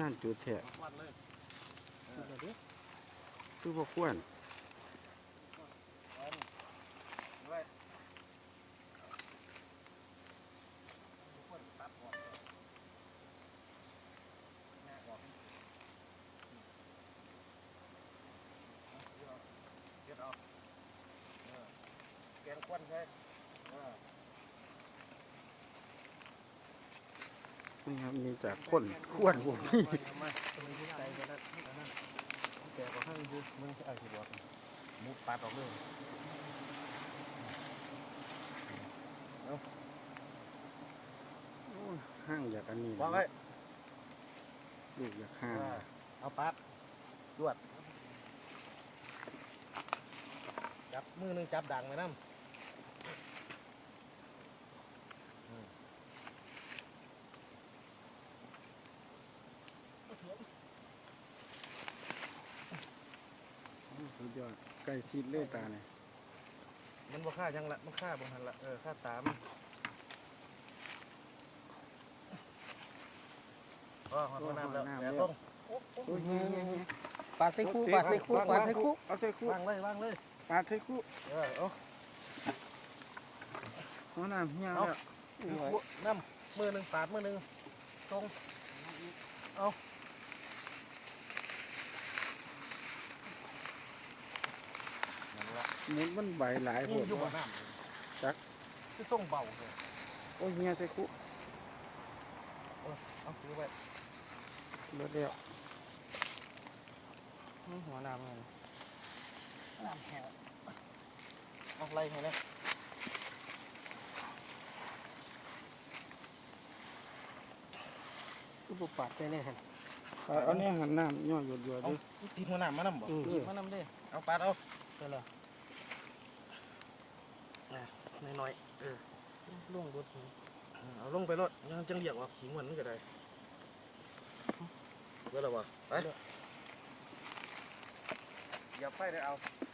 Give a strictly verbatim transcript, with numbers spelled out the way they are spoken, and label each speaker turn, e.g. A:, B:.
A: านจุดแท้
B: วัดเลย
A: คือบ่ควร
B: ไว้คนตัดออกแม่ออกเก็บเอาแกงควันใช่
A: นี่ครับมีจากคนควรบ่มี
B: มาตรงนี้ใจกันแล้วนั่นแกก็ให้ดูมึงเอาสิบอกมุกปัดออกเลย
A: โอ้ยห้างอยากอันนี้
B: วางไว้
A: ลูกอยากห้าง
B: เอาปัดดวดจับมือนึงจับดังไว้น้ำ
A: สุดยอดไก่ซีดเลยตาเนี่ย
B: มันบ่ฆ่าจังละมันฆ่าบ่หันละเออฆ่าตามอ๋อหอดน้ำแล้วแต่ต้อง
A: โอ้ยเงี้ยเงี้ยเงี้ย
C: ปาดใส่คู่ปาดใส่คู่ปาดใส่คู่
A: เอาใส่คู่
B: วางเลยวางเลย
A: ปาดใส่คู่
B: เออเอา
A: เอาน้ำเหี้ยแล้ว
B: น้ำมือหนึ่งปาดมือหนึ่งตรงเอานั่นละ
A: หมุนมันใบหลายโห
B: นี่
A: ด
B: อยู่บ่น้ำ
A: จัก
B: ที่ส่งเบาเลย
A: โอ้ยเงี้ยใส่คู่
B: เอาถือไว้
A: เบิดแล้ว
C: หัวน้ำมัน
B: น้ำแห้งเอาไล่ให้นะ
C: คือบุปผาได้เลยฮะ
A: เอาเนี่ยหันน้ำย่อหยดหยด
B: เอา
A: ด้วย
B: ตีหัวหน้ามาน้ำบ่
C: หยิบมานำเด้
B: เอาปาดเอา
C: ได้แล้ว
B: น้อยๆเออ
C: ล่วงบด
B: เอาลงไปรถยังจังเรียกว่าขิงมันก็ได้เบื่อแล้ววะไปอย่าไฟได้เอา